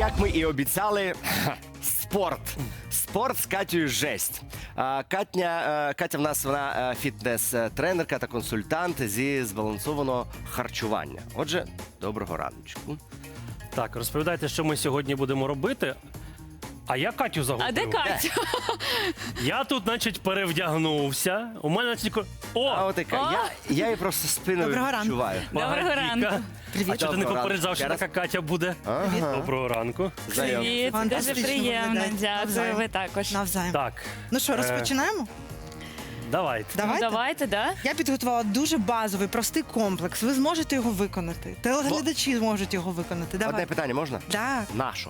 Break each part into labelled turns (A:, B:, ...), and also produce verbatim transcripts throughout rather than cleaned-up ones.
A: як ми і обіцяли, спорт. Спорт з Катєю жесть. А, Катня, е, Катя в нас вона е, фітнес-тренерка та консультант зі збалансованого харчування. Отже, доброго раночку.
B: Так, розповідайте, що ми сьогодні будемо робити. А я Катю загубив.
C: А де Катя?
B: Я тут, значить, перевдягнувся. У мене тільки... О!
A: А от яка,
C: О!
A: я, я її просто спиною
D: Доброго ранку.
A: відчуваю.
C: Доброго
B: Багатійка.
C: ранку.
B: А чого ти не
A: Доброго
B: попереджав, що
A: ранку.
B: така Катя буде?
A: Ага.
B: Доброго ранку.
A: Знайом.
C: Привіт, дуже
D: Фантастично
C: приємно.
D: виглядає.
C: Дякую,
D: Навзаєм.
C: ви також.
D: Навзаєм.
B: Так,
D: Ну що,
B: Е,
D: розпочинаємо?
B: давайте.
C: Ну,
D: Давайте.
C: давайте, да?
D: Я підготувала дуже базовий, простий комплекс. Ви зможете його виконати. Телеглядачі зможуть його виконати.
A: Одне
D: Давай.
A: питання можна?
D: Так.
A: Нашо?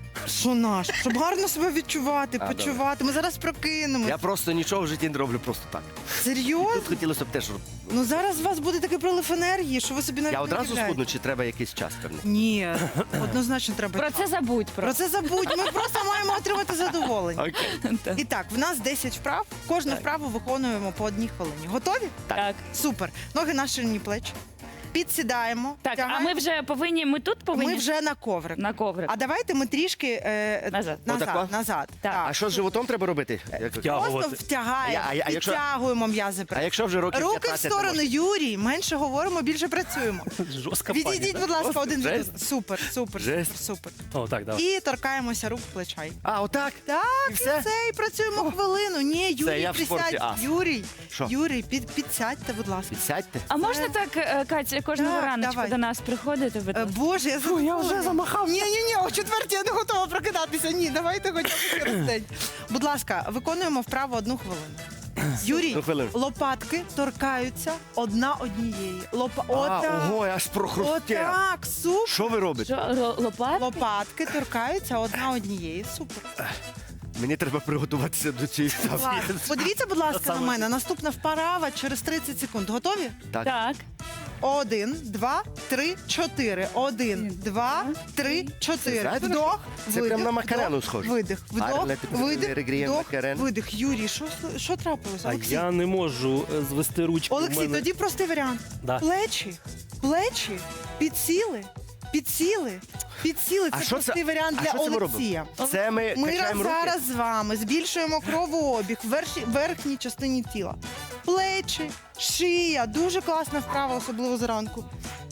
D: Що наш? Щоб гарно себе відчувати,
A: А,
D: почувати. Ми зараз прокинемось.
A: Я просто нічого в житті не роблю просто так.
D: Серйозно?
A: Тут хотілося б теж...
D: Ну зараз у вас буде такий прилив енергії, що ви собі навіть
A: Я
D: не
A: одразу
D: уявляєте.
A: схудну, чи треба якийсь час певний?
D: Ні, однозначно треба.
C: Про це забудь
D: Про
C: просто.
D: це забудь. Ми просто маємо отримати задоволення.
A: Окей.
D: І так, в нас десять вправ. Кожну
A: Так.
D: вправу виконуємо по одній хвилині. Готові?
C: Так.
D: Супер. Ноги на ширині плеч. Підсідаємо.
C: Так, а
D: втягаємо.
C: ми вже повинні, ми тут повинні?
D: Ми вже на коврик.
C: На коврик.
D: А давайте ми трішки е,
C: Назад.
D: назад,
A: Отако?
D: назад.
C: Так.
A: А що з животом треба робити? Як-
B: Втягувати.
D: Просто втягаємо,
A: А я- а я- якщо-
D: підтягуємо м'язи.
A: А якщо вже років
D: Руки в
A: п'ятнадцять не
D: сторону,
A: можна?
D: Юрій. Менше говоримо, більше працюємо.
B: Жорстка пані,
D: Відійдіть,
B: так?
D: будь ласка,
A: Просто
D: один від
A: жесть.
D: одного. Супер, супер,
A: Жесть.
D: супер, супер.
B: О, так, давай.
D: І торкаємося рук плечай.
A: А, отак?
D: Так,
A: І
D: і
A: все?
D: все, і працюємо хвилину. Ні, Юрій,
A: я в спорті
D: присядь.
A: ас.
D: Юрій,
A: Що?
D: Юрій, під, підсядьте, будь ласка.
A: Підсядьте.
C: А можна так, е, Катя, кожного
D: Так,
C: раночку
D: давай.
C: до нас приходити? будь
D: Е,
C: ласка?
D: Боже, я,
A: Фу, я вже замахався.
D: Ні, ні, ні, о четвертій я не готова прокидатися. Ні, давайте хоча б через день. Будь ласка, виконуємо вправо одну хвилину. Юрій,
A: Одну хвилину.
D: лопатки торкаються одна однієї. Лопа...
A: А,
D: Отак.
A: ого, аж прохрустя.
D: Отак, супер.
A: Що ви робите?
C: Що, ро- лопат?
D: Лопатки торкаються одна однієї. Супер.
A: Мені треба приготуватися до цієї ставки.
D: Клас. Подивіться, будь ласка, на
B: Саме.
D: мене. Наступна вправа через тридцять секунд. Готові?
A: Так.
C: Так.
D: Один, два, три, чотири. Один, два, три, чотири.
A: Знаєте,
D: Вдох,
A: це
D: видих,
A: прям на макарену
D: вдох,
A: схоже.
D: Видих, вдох,
A: Гарне таке
D: видих,
A: регрієм
D: вдох,
A: макарен.
D: видих. Юрій, що, що трапилося?
B: А
D: Олексій,
B: я не можу е, звести ручки.
D: Олексій,
B: в мене...
D: тоді простий варіант.
B: Да.
D: Плечі, плечі, підсіли, підсіли, підсіли.
A: А
D: Це
A: що це-
D: простий варіант
A: а
D: для
A: що це ми
D: Олексія.
A: робимо? Це ми,
D: Ми
A: качаємо руки?
D: зараз з вами збільшуємо кровообіг в верші- верхній частині тіла. Плечі, шия. Дуже класна вправа, особливо зранку.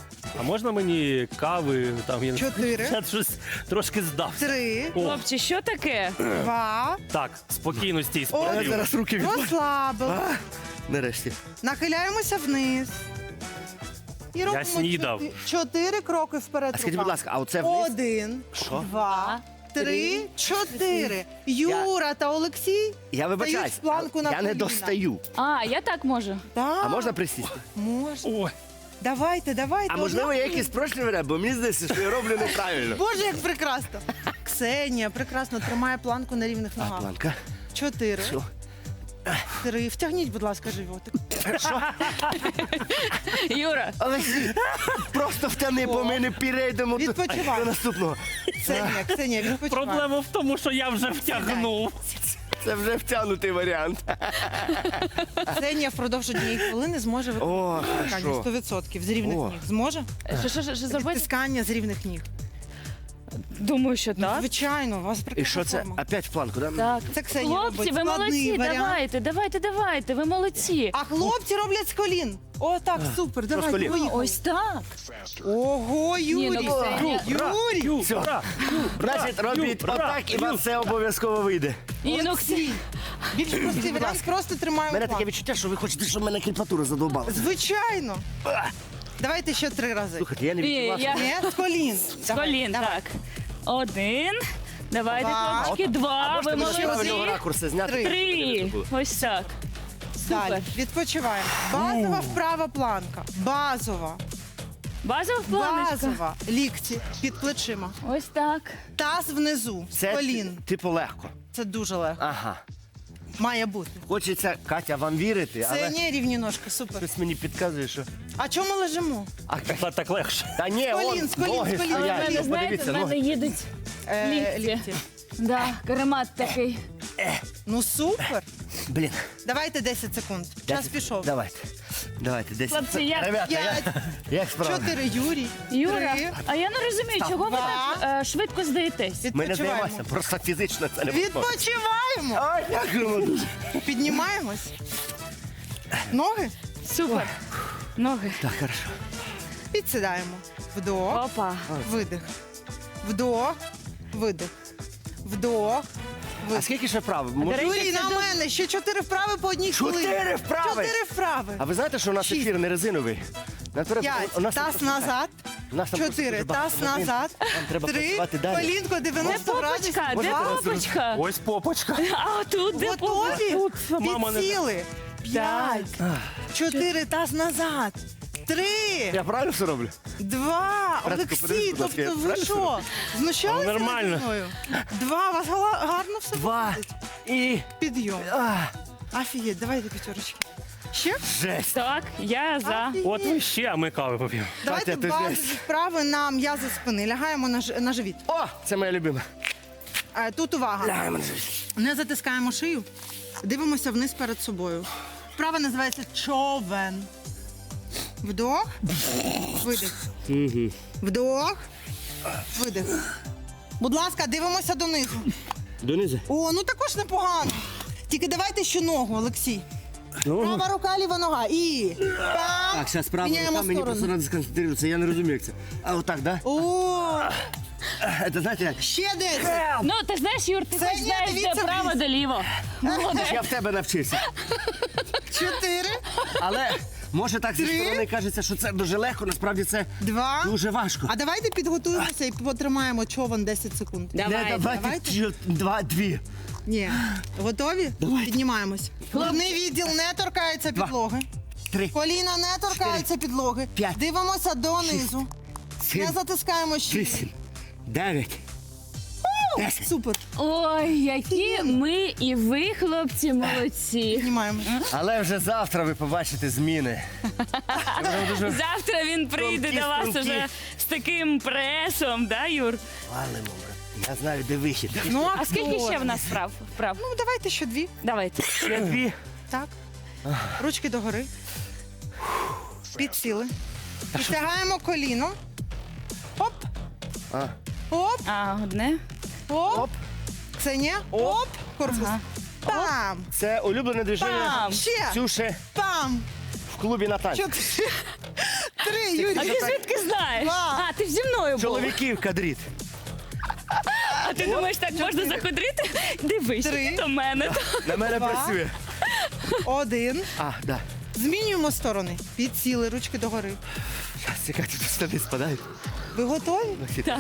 B: А можна мені кави? Там, я... не-
D: Чотири.
B: Я щось трошки здався.
D: Три,
B: О,
C: Хлопці, що таке?
D: два,
B: так, спокійно стій,
A: Я
B: спокійно.
A: зараз руки відпущу.
D: розслабили.
A: А, Нарешті.
D: Нахиляємося вниз. І робимо
B: снідав.
D: чотири, чотири кроки вперед.
A: А скажіть, будь
D: руками.
A: ласка, а оце вниз?
D: Один,
A: Що?
D: два, три, чотири. Юра та Олексій.
A: Я вибачаюсь,
D: Стають в планку на
A: я не
D: коліна.
A: достаю.
C: А, я так можу.
D: Так,
A: А можна присісти?
D: можна.
B: Ой,
D: Давайте, давайте.
A: А можливо, я
D: одна-
A: якийсь спрощений варіант, бо мені здається, що я роблю неправильно.
D: Боже, як прекрасно. Ксенія прекрасно тримає планку на рівних
A: А,
D: ногах.
A: планка.
D: Чотири,
A: Що?
D: три. Втягніть, будь ласка, животик.
C: Юра,
A: Олексій, просто втяни, бо ми не перейдемо до,
D: Відпочивай.
A: до наступного.
D: Ксенія, Ксенія, відпочивай.
B: проблема в тому, що я вже втягнув.
A: Це вже втягнутий варіант.
D: Ксенія впродовж однієї хвилини зможе виконати
A: О,
D: відтискання
A: хорошо.
D: сто відсотків з рівних
A: О.
D: ніг. Зможе?
C: що, що, що, що зробити?
D: Відтискання з рівних ніг.
C: Думаю, що так.
D: Звичайно, у вас
A: І
D: прекрасна
A: що це?
D: форма.
A: Опять в планку, да?
C: Так.
D: Це Ксенія
C: Хлопці,
D: робить.
C: ви
D: Складний
C: молодці,
D: варіант.
C: давайте, давайте, давайте, ви молодці.
D: А хлопці роблять з колін. О, так, супер, давайте,
A: колін?
D: поїхали.
C: Ось так.
D: Ого,
C: Ні,
D: Юрій.
C: ну, Ксенія.
D: Юрій.
A: Все.
B: Ура!
A: Значить, робіть
B: Юра,
A: отак, і вам
B: Юра.
A: все обов'язково вийде.
C: Ні, ну,
D: Олексій. Більш простий варіант, просто
A: У
D: тримаємо
A: мене таке
D: планку.
A: відчуття, що ви хочете, щоб мене кріпатура задовбала.
D: Звичайно. Давайте ще три рази.
A: Слухайте, я не
C: Ні,
A: відчував.
C: я-
D: Ні, з колін.
C: з колін, так. Один. Давайте,
D: Два.
C: хлопчики, два. Ви
A: Можете ще
C: молодці.
A: одного ракурсу зняти?
D: Три.
C: Три. Ось так.
D: Далі.
C: Супер.
D: Відпочиваємо. Базова вправа планка. Базова.
C: Базова планочка.
D: Базова. Лікті під плечима.
C: Ось так.
D: Таз внизу.
A: Це
D: Колін.
A: типу легко.
D: Це дуже легко.
A: Ага.
D: Має бути.
A: Хочеться, Катя, вам вірити,
D: Це
A: але
D: не рівні ножки, супер.
A: щось мені підказує, що...
D: А чому лежимо?
A: А,
B: Так, так легше.
A: та ні,
D: З колін,
A: он,
D: з колін,
A: ноги
D: з колін.
C: Але в
A: стоять.
C: мене,
A: Ну,
C: знаєте,
A: подивіться,
C: в мене
A: ноги.
C: їдуть
D: Е,
C: лікті. Да, каремат такий.
D: Ну супер.
A: Блін.
D: Давайте десять секунд. Час
A: десять.
D: пішов.
A: Давайте. Давайте, десять.
C: Хлопці, як-
A: Ребята, як,
D: П'ять,
A: як справа?
D: чотири, Юрій.
C: Юра,
D: Три.
C: а я не розумію, чого ви
D: Два.
C: так е, швидко здаєтесь?
A: Ми не
D: Відпочиваємо.
A: займаємося, просто фізично це не можливо.
D: Відпочиваємо.
A: Ой, дякуємо дуже.
D: Піднімаємось. Ноги.
C: Супер. Ноги.
A: Так, хорошо.
D: Підсідаємо. Вдох.
C: Опа.
D: Видих. Вдох. Видих. Вдох.
A: А
D: Видих.
A: скільки ще вправ?
C: до
A: Може-
C: речі,
D: Юрій,
C: це
D: на
C: до-
D: мене ще чотири вправи по одній хвилині.
A: Чотири вправи?
D: Чотири вправи.
A: А ви знаєте, що у нас
D: Шість.
A: ефір не резиновий? Нам треба-
D: П'ять.
A: у нас
D: Таз
A: просто-
D: назад.
A: У нас там просто
D: Чотири.
A: дуже багато
D: Таз
A: новин.
D: назад.
A: Нам треба
D: Три.
A: працювати далі.
D: Колінко
C: Де
D: дев'яносто градусів.
C: попочка? Де
D: Два.
C: попочка?
B: Ось попочка.
C: А тут де попочка?
D: Готові?
B: Тут мама не-
D: Підсіли. П'ять. Чотири. Таз назад. Три.
A: Я правильно все роблю?
D: Два.
A: Братку,
D: Олексій,
A: подивись, будь ласка, я
D: тобто ви
A: правильно
D: що? Знущалися
B: Ну, нормально.
D: наді мною? Два. У вас гала- гарно все
A: Два.
D: виходить.
A: І...
D: Підйом.
A: А,
D: Офігеть, давайте п'ятерочки. Ще?
A: жесть.
C: Так, я за.
D: Офігеть.
B: От ви ще, а ми кави поп'ємо.
D: Давайте
A: Катя, ти
D: базові
A: жесть.
D: вправи на м'язи спини. Лягаємо на, ж- на живіт.
A: О, це моя любима.
D: Е, Тут увага.
A: Лягаємо на живіт.
D: Не затискаємо шию. Дивимося вниз перед собою. Вправа називається човен. Вдох. Видих. Вдох. Видих. Будь ласка, дивимося донизу.
A: Донизу.
D: О, ну також непогано. Тільки давайте ще ногу, Олексій. Права рука, ліва нога. І. Пам.
A: Так, зараз справа
D: Міняємо
A: рука, мені
D: сторону.
A: просто треба сконцентруватися, я не розумію, як це. А отак, да?
D: О,
A: Це знаєте як?
D: ще десь.
C: Ну, ти знаєш, Юр, ти
D: Це
C: хоч
D: ні,
C: знаєш, де
D: дивіться
C: право,
D: вниз.
C: де ліво. Молодець.
A: Я в тебе навчився.
D: Чотири.
A: Але може так зі
D: Три.
A: сторони кажеться, що це дуже легко, насправді це
D: Два.
A: дуже важко.
D: А давайте підготуємося і потримаємо човен десять секунд.
A: Не, давайте,
D: давайте.
A: чо- два, дві.
D: Ні. Готові?
A: Давайте.
D: Піднімаємось. Головний відділ не торкається
A: Два.
D: підлоги.
A: Три.
D: Коліна не торкаються підлоги.
A: П'ять.
D: Дивимося донизу.
A: Сім.
D: Не затискаємо шию.
A: Вісім. Дев'ять. Десять.
D: Супер.
C: Ой, які ми і ви, хлопці, молодці.
D: Піднімаємось.
A: Але вже завтра ви побачите зміни. Це буде дуже
C: Завтра він прийде
A: Струнки,
C: до вас
A: струнки.
C: уже з таким пресом, да, Юр?
A: валимо, брат. Я знаю, де вихід.
D: Ну,
C: А скільки ще в
D: актор.
C: нас вправ? вправ?
D: Ну, давайте ще дві.
C: Давайте.
A: Ще дві.
D: Так. Ручки догори. Підсіли. Підтягаємо коліно. Оп.
A: А.
D: Оп.
C: А, одне.
D: Оп.
A: Оп.
D: Це не. Оп. Корпус.
C: Ага.
D: Пам.
A: Це улюблене движення
C: Пам.
D: Ще.
A: Ксюші
D: Пам.
A: в клубі на танці.
D: Чотири. Три,
C: А
D: Юрій.
C: ти звідки знаєш?
D: Два.
C: А, ти ж зі мною був.
A: Чоловіків кадріт.
C: А ти думаєш, так можна заходити? Дивись,
D: Три.
C: до мене.
A: На мене
D: Два.
A: працює.
D: Один.
A: А, да.
D: Змінюємо сторони. Підсіли, ручки догори.
A: Зараз, чекайте, тут штани спадають.
D: Ви готові?
C: Так.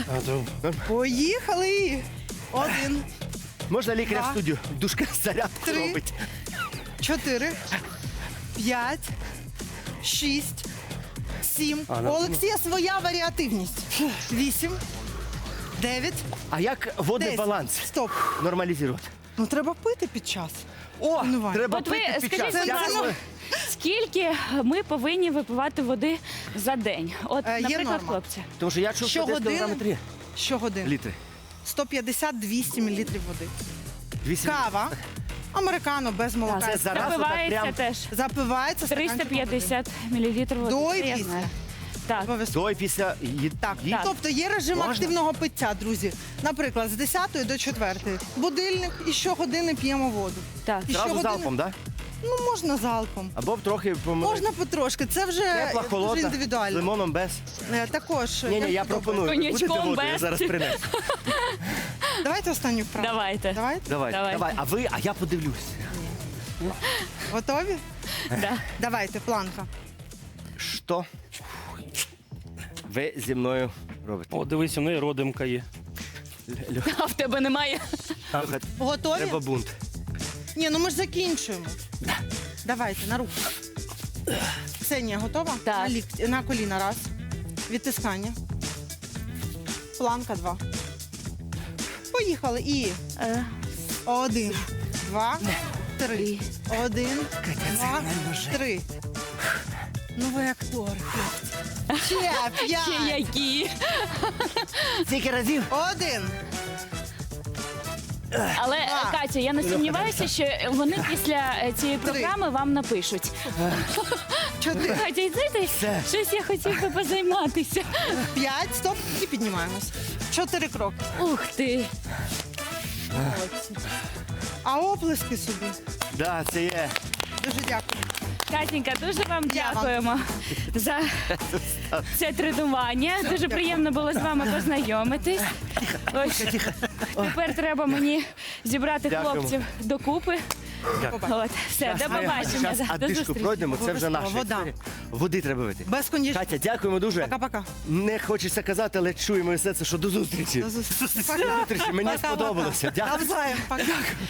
D: Поїхали. Один,
A: Можна лікаря
D: Два.
A: в студію? Душка зарядку
D: Три.
A: робить.
D: чотири, п'ять, шість, сім.
B: А,
D: У
B: ну,
D: Олексія своя варіативність. Вісім, дев'ять,
A: А як водний
D: десять.
A: баланс
D: Стоп.
A: нормалізувати?
D: Ну треба пити під час.
A: О,
D: Тренування.
A: треба
C: От ви
A: пити під
C: скажіть,
A: час.
C: будь
A: Я
C: ласка,
A: думаю,
C: скільки ми повинні випивати води за день? От,
D: Е, є
C: наприклад,
D: норма.
C: хлопці.
A: Тому що я чув, що десь
D: Щогодини?
A: кілограми три
D: Щогодини.
A: літри.
D: сто п'ятдесят - двісті мілілітрів води.
A: Вісім.
D: Кава. Американо без молока.
A: Це зараз отак
C: Запивається
A: прям
C: теж.
D: Запивається
C: триста
D: стаканчиком води.
C: п'ятдесят мілілітрів води.
D: До
C: Це
D: і
C: я
D: після.
C: знаю. Так.
D: Обов'язково.
A: До і після їд...
D: Так,
A: їд-
D: тобто є режим
A: Можна?
D: активного пиття, друзі. Наприклад, з десятої до четвертої. Будильник і щогодини п'ємо воду.
C: Так.
D: І
A: Зразу
D: щогодини-
A: залпом, так? Да?
D: Ну, можна залпом.
A: Або б трохи помилити.
D: Можна потрошки. Це вже
A: Тепла,
D: дуже
A: холодна, з
D: індивідуально.
A: лимоном без.
D: Е, Також.
A: Ні, ні, я
D: як
A: пропоную. Ви
C: Коньячком
A: будете воду, я
C: без.
A: зараз принесу.
D: подобається. Давайте останню вправу.
C: Давайте.
D: Давайте.
A: Давай,
C: Давай.
A: давай. А ви, а я подивлюсь.
D: Готові?
C: Да.
D: Давайте, планка.
A: Що ви зі мною робите?
B: О, дивись, у неї родимка є.
A: Льох,
C: А в тебе немає.
A: Льоха,
D: Готові?
A: треба бунт.
D: Ні, ну ми ж закінчуємо. Давайте, на руку. Ксенія, готова?
C: Так.
D: На, лікті, на коліна раз. Відтискання. Планка два. Поїхали. І
C: Е,
D: один, два, три.
C: Три.
D: Один, два,
A: реально жесть.
D: три. Ну ви актор, хлопці. Ще
C: Ще
D: п'ять.
C: які.
A: Скільки разів?
D: Один.
C: Але, е,
D: Два.
C: Катя, я не сумніваюся, що вони після е, цієї
D: Три.
C: програми вам напишуть.
D: чотири,
C: Катя, йди ти.
A: Все.
C: Щось я хотів би позайматися.
D: п'ять, стоп, і піднімаємось. Чотири кроки.
C: Ух ти.
D: Молодці. А оплески собі.
A: Да, це є.
D: Дуже дякую.
C: Катенька, дуже вам
D: Я вам.
C: дякуємо за це тренування. Дуже приємно було з вами познайомитись. Ось тепер треба мені зібрати
A: Дякуємо.
C: хлопців докупи.
B: Дякую.
C: От, все, до побачення.
A: Зараз
C: да, До
A: адишку
C: зустрічі.
A: пройдемо, це вже наша
D: Обов'язково, вода.
A: історія. Води треба вити.
D: Без кондішнера.
A: Катя, дякуємо дуже.
D: Пока-пока.
A: Не хочеться казати, але чуємо все це, що до зустрічі.
D: До зустрічі.
A: До зустрічі, мені
D: Пока-пока.
A: сподобалося. Дякую.
D: Навзаєм. Пока.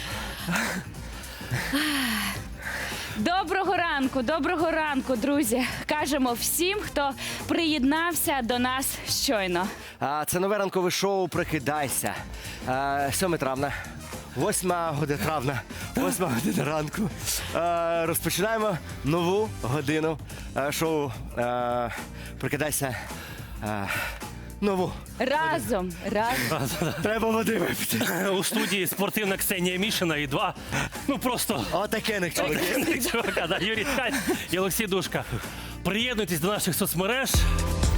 C: Доброго ранку, доброго ранку, друзі. Кажемо всім, хто приєднався до нас щойно.
A: А, Це нове ранкове шоу «Прокидайся». А, сьоме травня. Восьма година травня, восьма година ранку. Е, розпочинаємо нову годину е, шоу е, «Прокидайся». Е, нову.
C: Разом, разом.
A: Треба води випити.
B: У студії спортивна Ксенія Мішина і два. Ну просто
A: Отаке не чоловік.
B: чувака, да, Юрій Ткань і Олексій Душка. Приєднуйтесь до наших соцмереж.